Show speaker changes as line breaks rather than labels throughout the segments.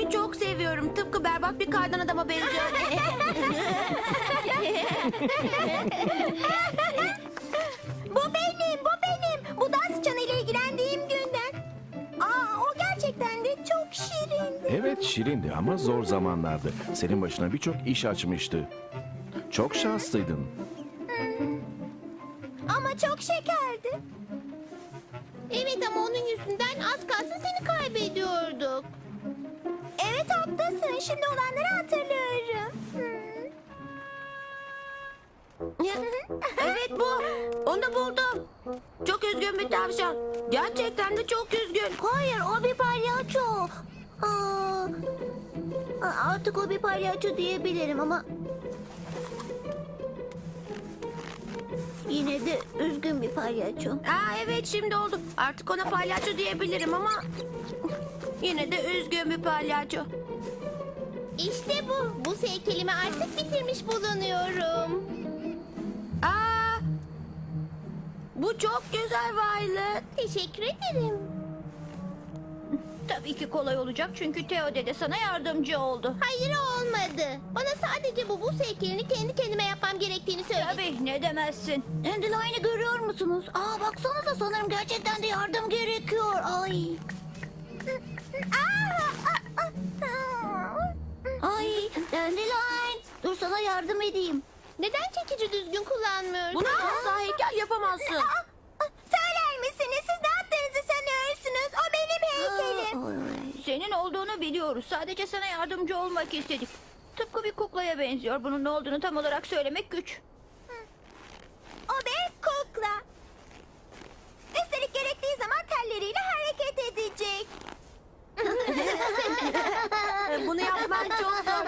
Kendimi çok seviyorum. Tıpkı berbat bir kardan adama benziyorum.
Bu benim, bu benim. Bu dans çanıyla ilgilendiğim günden. O gerçekten de çok şirindi.
Evet şirindi ama zor zamanlardı. Senin başına birçok iş açmıştı. Çok şanslıydın.
Ama çok şekerdi.
Evet ama onun yüzünden az kalsın seni kaybediyorduk.
Evet haklısın. Şimdi olanları hatırlıyorum.
Evet bu. Onu buldum. Çok üzgün bir tavşan. Gerçekten de çok üzgün.
Hayır, o bir palyaço. Artık o bir palyaço diyebilirim ama... Yine de üzgün bir palyaço.
Evet şimdi oldu. Artık ona palyaço diyebilirim ama... Yine de üzgün bir palyaço.
İşte bu. Bu heykelimi artık bitirmiş bulunuyorum.
Bu çok güzel Violet.
Teşekkür ederim.
Tabii ki kolay olacak çünkü Theo dede sana yardımcı oldu.
Hayır olmadı. Bana sadece bu buz heykelini kendi kendime yapmam gerektiğini söyledi.
Tabii ne demezsin.
Dandelion'u görüyor musunuz? Baksanıza sanırım gerçekten de yardım gerekiyor. Ay. Ay, Dandelion. Dur sana yardım edeyim.
Neden çekici düzgün kullanmıyorsun?
Buna asla heykel yapamazsın.
Söyler misiniz? Siz ne yaptığınızı sanıyorsunuz? O benim heykelim.
Senin olduğunu biliyoruz. Sadece sana yardımcı olmak istedik. Tıpkı bir kuklaya benziyor. Bunun ne olduğunu tam olarak söylemek güç.
O bir kukla. Üstelik gerektiği zaman telleriyle hareket edecek.
Bunu yapman çok zor.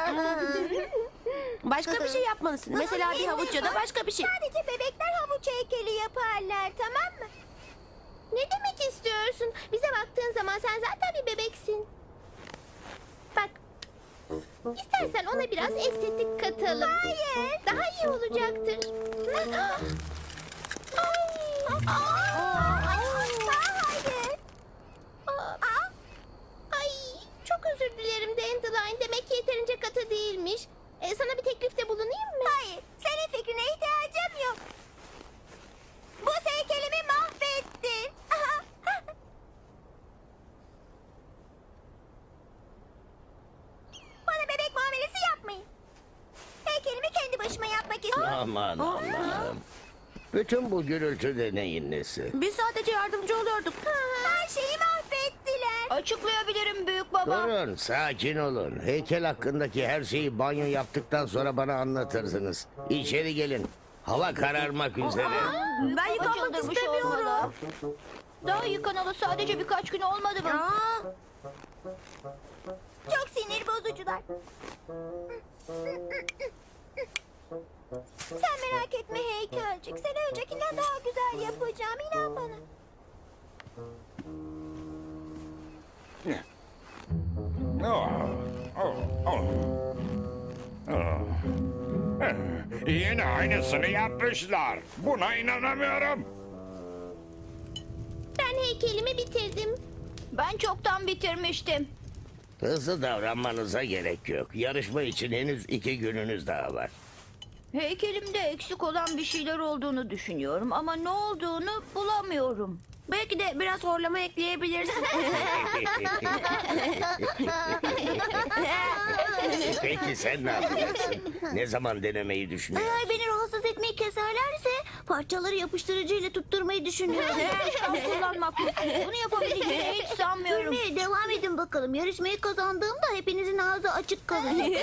Başka bir şey yapmalısın. Mesela bir havuç ya da başka bir şey.
Sadece bebekler havuç heykeli yaparlar, tamam mı?
Ne demek istiyorsun? Bize baktığın zaman sen zaten bir bebeksin. Bak. İstersen ona biraz estetik katalım.
Hayır.
Daha iyi olacaktır.
Hayır.
Ay, çok özür dilerim Dandelion. Demek ki yeterince katı değilmiş. Sana bir teklifte bulunayım mı?
Hayır, senin fikrine ihtiyacım yok. Bu heykelimi mahvettin. Bana bebek muamelesi yapmayın. Heykelimi kendi başıma yapmak istiyorum.
Aman Allah'ım. Bütün bu gürültü de neyin nesi?
Biz sadece yardımcı oluyorduk.
Her şeyi mahvettiler.
Açıklayabilirim büyük baba.
Durun, sakin olun. Heykel hakkındaki her şeyi banyo yaptıktan sonra bana anlatırsınız. İçeri gelin. Hava kararmak üzere.
Ben yıkanmak
Çıldırmış
istemiyorum.
olmalı. Daha yıkanalı sadece birkaç gün olmadı mı?
Çok sinir bozucular. Sen merak etme heykelcik. Seni öncekinden daha güzel yapacağım. İnan bana.
Yine aynısını yapmışlar. Buna inanamıyorum.
Ben heykelimi bitirdim.
Ben çoktan bitirmiştim.
Hızlı davranmanıza gerek yok. Yarışma için henüz 2 gününüz daha var.
Heykelimde eksik olan bir şeyler olduğunu düşünüyorum ama ne olduğunu bulamıyorum.
Belki de biraz horlama ekleyebilirsin.
Peki sen ne yapacaksın? Ne zaman denemeyi düşünüyorsun?
Eğer beni rahatsız etmeyi keserlerse parçaları yapıştırıcıyla tutturmayı düşünüyorum.
Şan kullanmak mı? Bunu yapabileceğini hiç sanmıyorum.
Gülmeye devam edin bakalım. Yarışmayı kazandığımda hepinizin ağzı açık kalacak.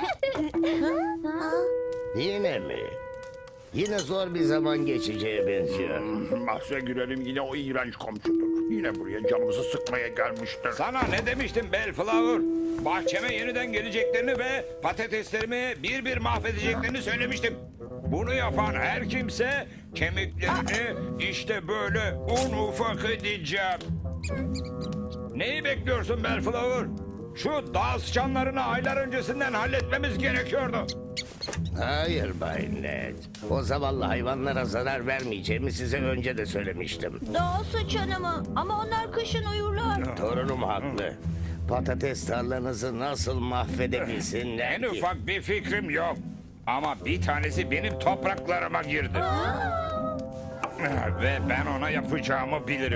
Yine mi? Yine zor bir zaman geçeceğe benziyor.
Bahse girelim yine o iğrenç komşudur. Yine buraya canımızı sıkmaya gelmiştir. Sana ne demiştim Bellflower? Bahçeme yeniden geleceklerini ve patateslerimi bir bir mahvedeceklerini söylemiştim. Bunu yapan her kimse kemiklerini işte böyle un ufak edeceğim. Neyi bekliyorsun Bellflower? Şu dağ sıçanlarını aylar öncesinden halletmemiz gerekiyordu.
Hayır Bay Ned. O zavallı hayvanlara zarar vermeyeceğimi size önce de söylemiştim.
Dağ sıçanı mı? Ama onlar kışın uyurlar.
Torunum haklı. Patates tarlanızı nasıl mahvedebilsinler
En
ki?
ufak bir fikrim yok. Ama bir tanesi benim topraklarıma girdi. Ve ben ona yapacağımı bilirim.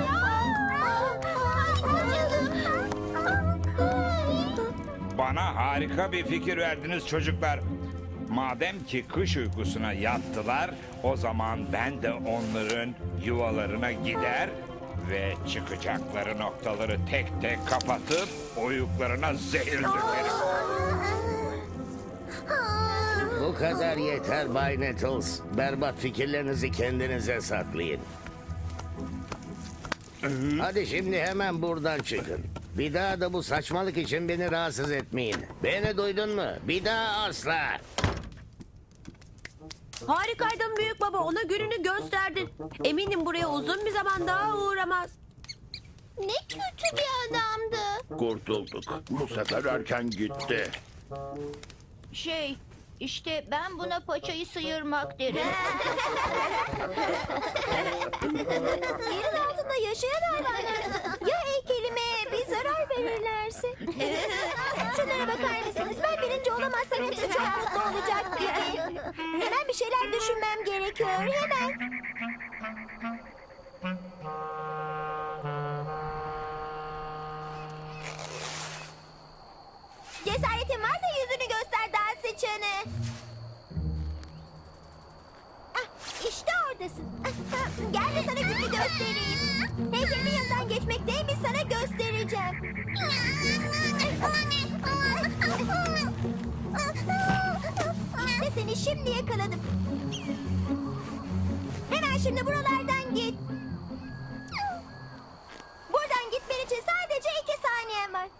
Bana harika bir fikir verdiniz çocuklar. Madem ki kış uykusuna yattılar, o zaman ben de onların yuvalarına gider ve çıkacakları noktaları tek tek kapatıp uyuklarına zehir dökerim.
Bu kadar yeter Bay Nettles. Berbat fikirlerinizi kendinize saklayın. Hadi şimdi hemen buradan çıkın. Bir daha da bu saçmalık için beni rahatsız etmeyin. Beni duydun mu? Bir daha asla.
Harikaydın büyük baba. Ona gününü gösterdin. Eminim buraya uzun bir zaman daha uğramaz.
Ne kötü bir adamdı.
Kurtulduk. Bu sefer erken gitti.
İşte ben buna paçayı sıyırmak derim.
Yerin altında yaşayan hayvanlar. Ya heykelime bir zarar verirlerse? Şunlara bakar mısınız? Ben birinci olamazsam hepsi çok mutlu olacak gibi. Hemen bir şeyler düşünmem gerekiyor. Hemen. Cesaretin varsa yüzünü göster dans sıçanı. İşte oradasın. Gel de sana gününü göstereyim. Heykelimin yanından geçmek neymiş sana göstereceğim. İşte seni şimdi yakaladım. Hemen şimdi buralardan git. Buradan gitmen için sadece 2 saniyen var.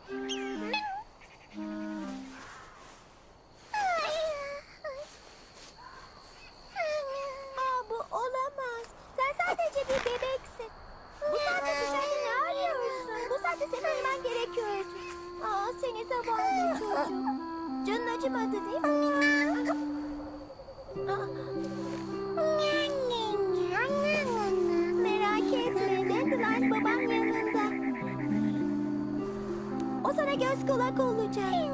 Bu olamaz. Sen sadece bir bebeksin. Bu saatte dışarıda ne arıyorsun? Bu saatte seni uyuman gerekiyordu. Seni zavallı çocuğum. Canın acımadı değil mi? Merak etme. Dandelion baban yanında. O sana göz kulak olacak.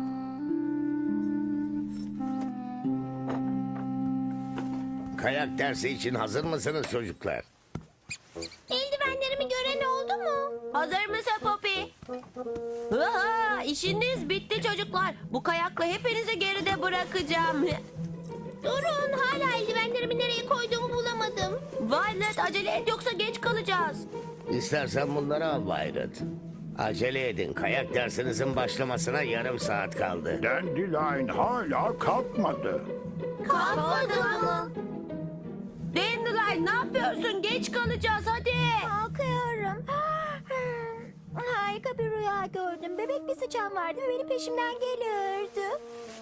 Kayak dersi için hazır mısınız çocuklar?
Eldivenlerimi gören oldu mu?
Hazır mısın Poppy? Aha, işiniz bitti çocuklar. Bu kayakla hepinizi geride bırakacağım.
Durun, hala eldivenlerimi nereye koyduğumu bulamadım.
Violet acele et yoksa geç kalacağız.
İstersen bunları al Violet. Acele edin. Kayak dersinizin başlamasına yarım saat kaldı.
Dandelion hala kalkmadı.
Kalkmadı mı? Dandelion ne yapıyorsun? Geç kalacağız hadi.
Kalkıyorum. Harika bir rüya gördüm. Bebek bir sıçan vardı ve benim peşimden geliyordu.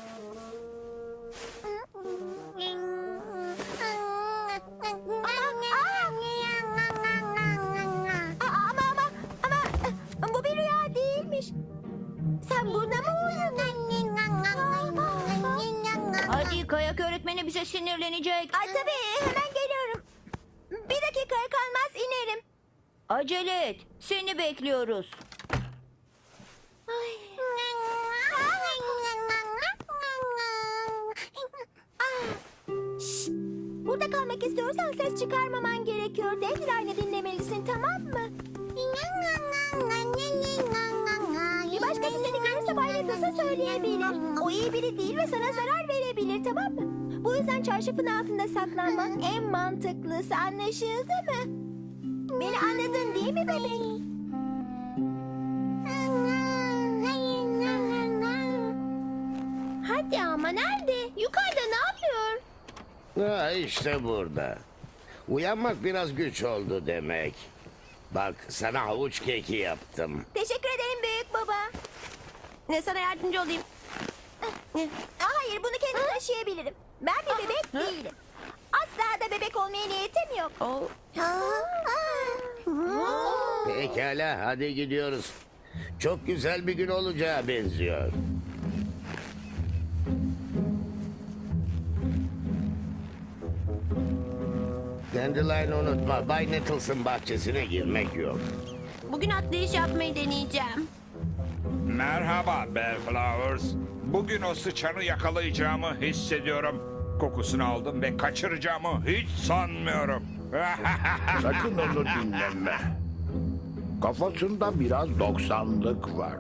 Ama bu bir rüya değilmiş. Sen burada mı uyudun?
Hadi kayak öğretmeni bize sinirlenecek.
Tabii hemen geliyorum. Bir dakikaya kalmaz inerim.
Acele et. Seni bekliyoruz.
Şşt! Burada kalmak istiyorsan ses çıkarmaman gerekiyor. Dandelion'u dinlemelisin, tamam mı? Bir başkası seni görürse Bay Nettles'a söyleyebilir. O iyi biri değil ve sana zarar verebilir, tamam mı? Bu yüzden çarşafın altında saklanmak en mantıklısı, anlaşıldı mı? Beni anladın değil mi bebeğim?
Hadi ama nerede? Yukarıda ne yapıyor?
İşte burada. Uyanmak biraz güç oldu demek. Bak sana havuç keki yaptım.
Teşekkür ederim büyük baba.
Sana yardımcı olayım.
Hayır, bunu kendim taşıyabilirim. Ben bir bebek değilim. Asla da bebek olmaya niyetim yok.
Oh.
Pekala hadi gidiyoruz. Çok güzel bir gün olacağı benziyor. Dandelion'u unutma. Bay Nettles'ın bahçesine girmek yok.
Bugün atlayış yapmayı deneyeceğim.
Merhaba Bellflowers. Bugün o sıçanı yakalayacağımı hissediyorum. Kokusunu aldım ve kaçıracağımı hiç sanmıyorum.
Sakın onu dinleme. Kafasında biraz 90'lık var.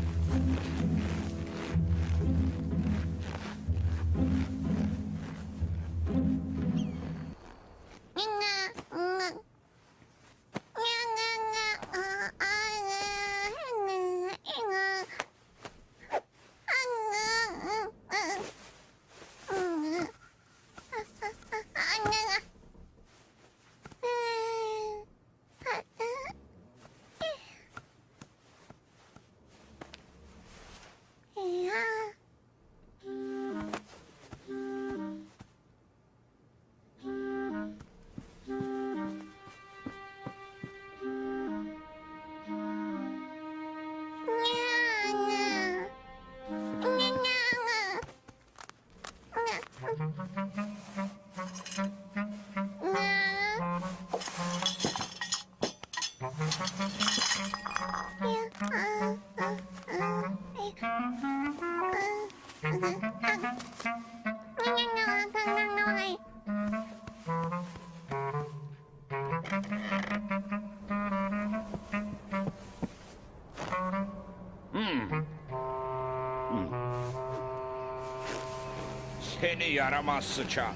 Seni yaramaz sıçan.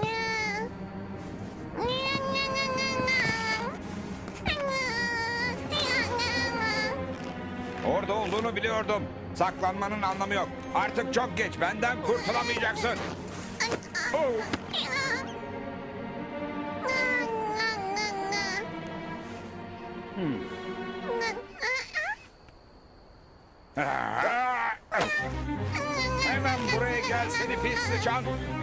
Orada olduğunu biliyordum. Saklanmanın anlamı yok. Artık çok geç. Benden kurtulamayacaksın. Oh. Hemen buraya gel seni pis sıçan.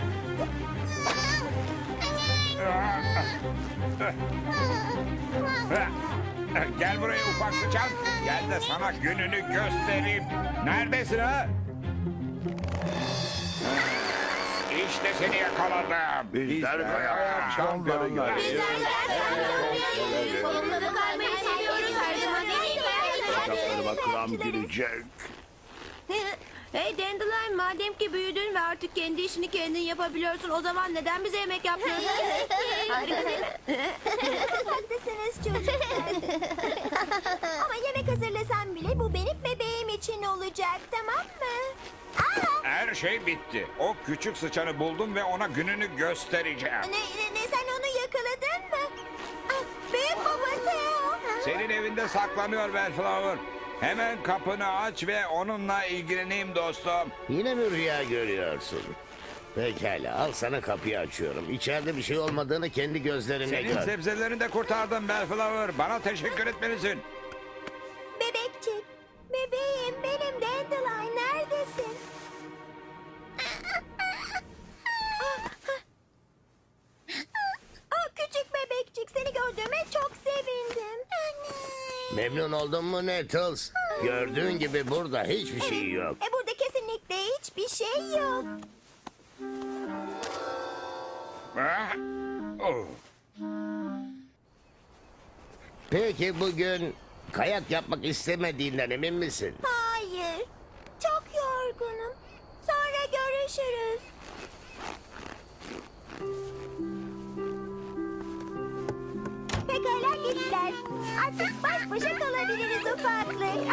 Gel buraya ufak sıçan. Gel de sana gününü göstereyim. Neredesin ha? İşte seni yakaladım.
Bizler kayak şampiyonlarıyız.
Kolumda kaymayı seviyoruz. Her zaman
Bacaklarıma kram girecek.
Hey Dandelion, madem ki büyüdün ve artık kendi işini kendin yapabiliyorsun, o zaman neden bize yemek yapmıyorsun? Harika değil mi?
Haklısınız çocuklar. Ama yemek hazırlasam bile bu benim bebeğim için olacak, tamam mı? Aa!
Her şey bitti. O küçük sıçanı buldum ve ona gününü göstereceğim.
Sen onu yakaladın mı? Ah, büyük baba Theo.
Senin evinde saklanıyor Bellflower. Hemen kapını aç ve onunla ilgileneyim dostum.
Yine mi rüya görüyorsun? Pekala, al sana kapıyı açıyorum. İçeride bir şey olmadığını kendi gözlerine
Senin
gör.
sebzelerini de kurtardım Bellflower. Bana teşekkür etmelisin.
Bebekçik, bebeğim benim Dandelion, neredesin? Küçük bebekçik, seni gördüğüme çok sevindim.
Memnun oldun mu Nettles? Gördüğün gibi burada hiçbir şey yok.
Burada kesinlikle hiçbir şey yok.
Ah, oh.
Peki bugün kayak yapmak istemediğinden emin misin?
Hayır, çok yorgunum. Sonra görüşürüz. Pekala gittiler. Artık baş başa kalabiliriz ufaklık.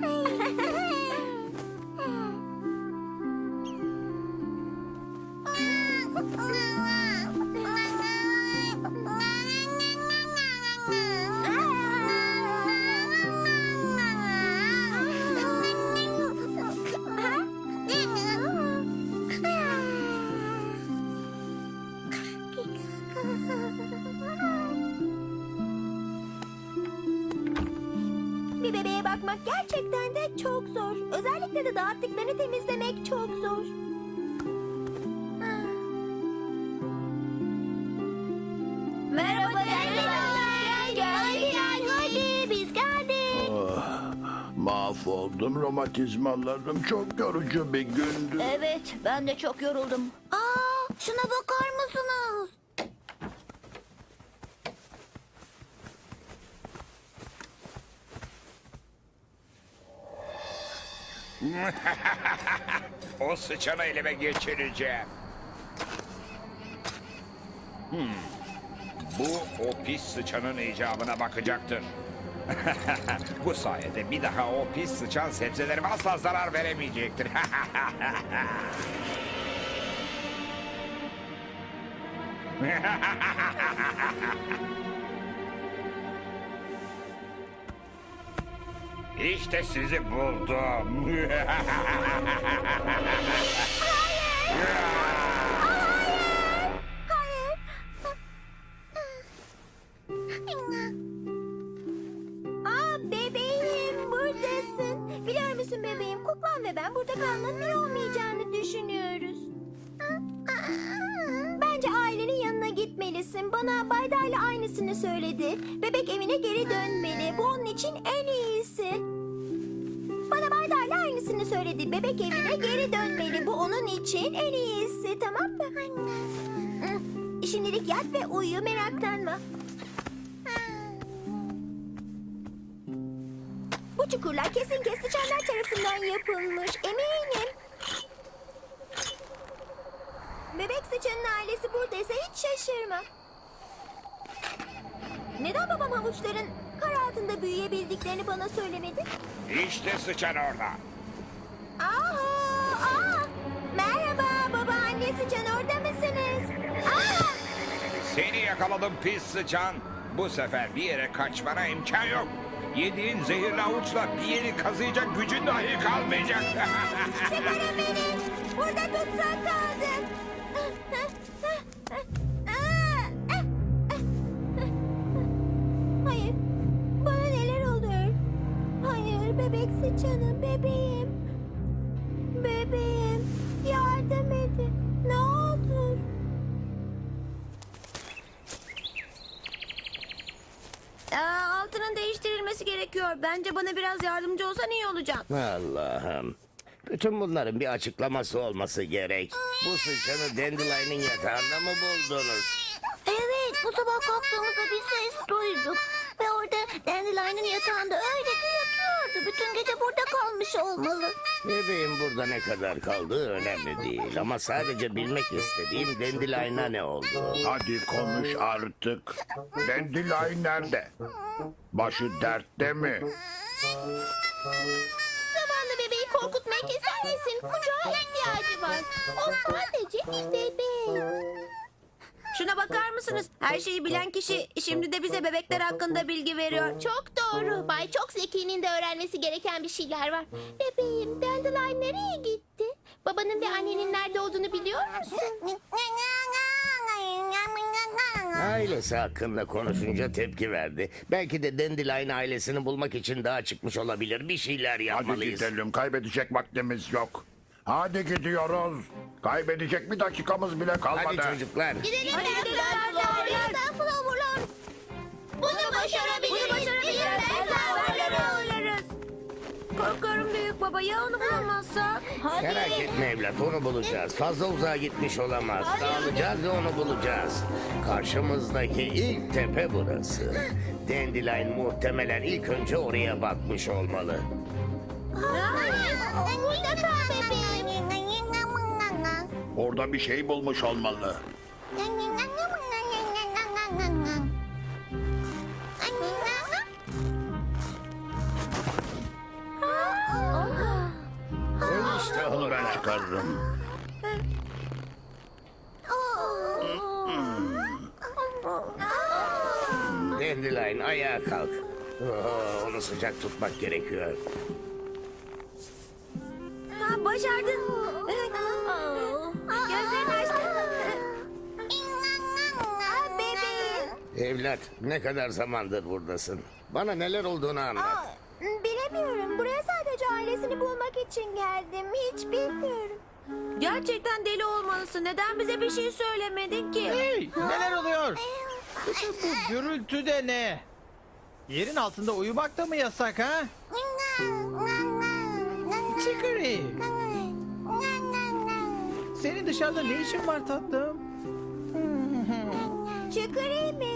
Bir bebeğe bakmak gerçekten de çok zor. Özellikle de dağıttıklarını temizlemek çok zor.
Merhaba Dandelion.
Gel, hadi biz geldik.
Mahvoldum, romatizmalarım çok yorucu bir gündü.
Evet, ben de çok yoruldum.
Şuna bakar mısınız?
O sıçanı elime geçireceğim. Bu o pis sıçanın icabına bakacaktır. Bu sayede bir daha o pis sıçan sebzelerime asla zarar veremeyecektir. İşte sizi buldum.
Bebeğim buradasın. Biliyor musun bebeğim, kuklan ve ben burada kalmanın iyi olmayacağını düşünüyoruz. Bence ailenin yanına gitmelisin. Bana Bayda'yla aynısını söyledi. Bebek evine geri dönmeli. Bu onun için en iyisi. Bana Bayda'yla aynısını söyledi. Bebek evine geri dönmeli. Bu onun için en iyisi. Tamam mı? Şimdilik yat ve uyu, meraklanma. Bu çukurlar kesin sıçanlar tarafından yapılmış. Eminim. Bebek sıçanın ailesi buradaysa hiç şaşırma. Neden babam havuçların kar altında büyüyebildiklerini bana söylemedi?
İşte sıçan orada.
Merhaba baba, anne sıçan, orada mısınız?
Seni yakaladım pis sıçan. Bu sefer bir yere kaçmana imkan yok. Yediğin zehirli avuçla bir yeri kazıyacak gücün dahi kalmayacak.
Çıkarın beni. Burada tutsak kaldım. Hayır. Bana neler oluyor? Hayır, bebek sıçanım, bebeğim. Bebeğim, yardım edin. Ne olur.
Altının değiştirilmesi gerekiyor. Bence bana biraz yardımcı olsan iyi olacak.
Allah'ım. Bütün bunların bir açıklaması olması gerek. Bu sıçanı Dandelion'ın yatağında mı buldunuz?
Evet, bu sabah kalktığımızda bir ses duyduk. Ve orada Dandelion'ın yatağında öylece yatıyordu. Bütün gece burada kalmış olmalı.
Bebeğin burada ne kadar kaldığı önemli değil. Ama sadece bilmek istediğim Dandelion'a ne oldu?
Hadi konuş artık. Dandelion nerede? Başı dertte mi?
Zavallı bebeği korkutmayı keser misin? Kucağa ihtiyacı var. O sadece bir bebek.
Şuna bakar mısınız? Her şeyi bilen kişi şimdi de bize bebekler hakkında bilgi veriyor.
Çok doğru. Bay Çok Zeki'nin de öğrenmesi gereken bir şeyler var. Bebeğim, Dandelion nereye gitti? Babanın ve annenin nerede olduğunu biliyor musun?
Ailesi hakkında konuşunca tepki verdi. Belki de Dandelion ailesini bulmak için daha çıkmış olabilir. Bir şeyler
Hadi
yapmalıyız.
gidelim. Kaybedecek vaktimiz yok. Hadi gidiyoruz. Kaybedecek bir dakikamız bile kalmadı.
Hadi çocuklar.
Gidelim Flower'lar. Bunu başarabiliriz.
Oluruz. Korkarım büyük baba, ya onu bulamazsak?
Merak etme evlat, onu bulacağız. Fazla uzağa gitmiş olamaz. Dağılacağız ve onu bulacağız. Karşımızdaki ilk tepe burası. Dandelion muhtemelen ilk önce oraya bakmış olmalı.
Burada kal bebeğim.
Orada bir şey bulmuş olmalı.
İşte
Onu ben çıkarırım.
Dandelion ayağa kalk. Onu sıcak tutmak gerekiyor.
Başardın. Gözlerini açtın.
Bebeğim.
Evlat, ne kadar zamandır buradasın? Bana neler olduğunu anlat.
Bilemiyorum. Buraya sadece ailesini bulmak için geldim. Hiç bilmiyorum.
Gerçekten deli olmalısın. Neden bize bir şey söylemedin ki?
Hey, neler oluyor? Bütün bu gürültü de ne? Yerin altında uyumak da mı yasak ha? Chicory, senin dışarıda ne işin var tatlım?
Çıkarayım mı?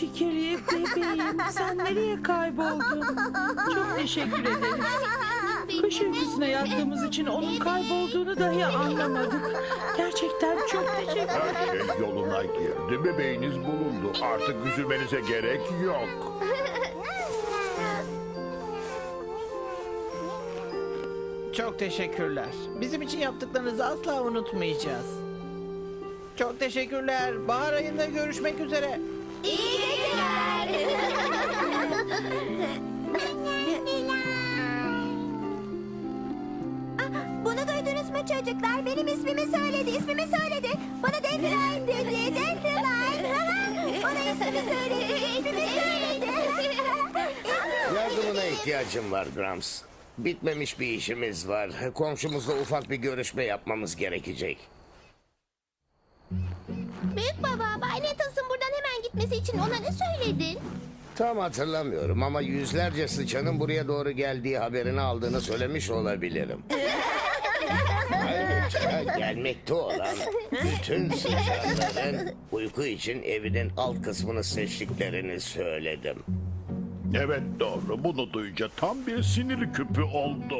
Çikiri bebeğim, sen nereye kayboldun? Çok teşekkür ederim. Kış uykusuna yattığımız için onun kaybolduğunu dahi anlamadık. Gerçekten çok teşekkür
Her şey yoluna girdi. Bebeğiniz bulundu. Artık üzülmenize gerek yok.
Çok teşekkürler. Bizim için yaptıklarınızı asla unutmayacağız. Çok teşekkürler. Bahar ayında görüşmek üzere.
İyi geceler. Bunu duydunuz mu çocuklar? Benim ismimi söyledi. Bana Dandelion dedi. Dandelion. Bana ismimi söyledi.
Yardımına ihtiyacım var Grams. Bitmemiş bir işimiz var. Komşumuzla ufak bir görüşme yapmamız gerekecek.
Büyük baba, Bay Nettles'ın buradan hemen gitmesi için ona ne söyledin?
Tam hatırlamıyorum ama yüzlerce sıçanın buraya doğru geldiği haberini aldığını söylemiş olabilirim. Ayrıca gelmekte olan bütün sıçanların uyku için evinin alt kısmını seçtiklerini söyledim.
Evet doğru. Bunu duyunca tam bir sinir küpü oldu.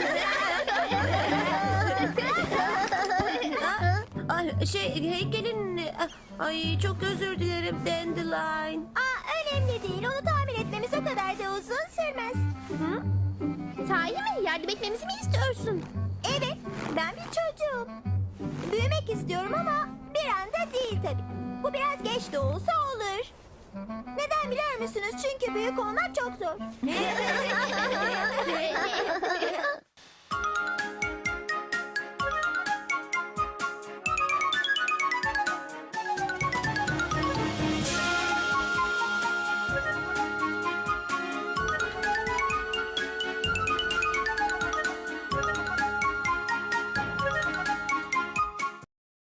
Heykelin... Ay çok özür dilerim Dandelion.
Önemli değil. Onu tamir etmemiz o kadar da uzun sürmez.
Sahi mi? Yardım etmemizi mi istiyorsun?
Evet, ben bir çocuğum. Büyümek istiyorum ama bir anda değil tabii. Bu biraz geç de olsa olur. Neden biliyor musunuz? Çünkü büyük olmak çok zor.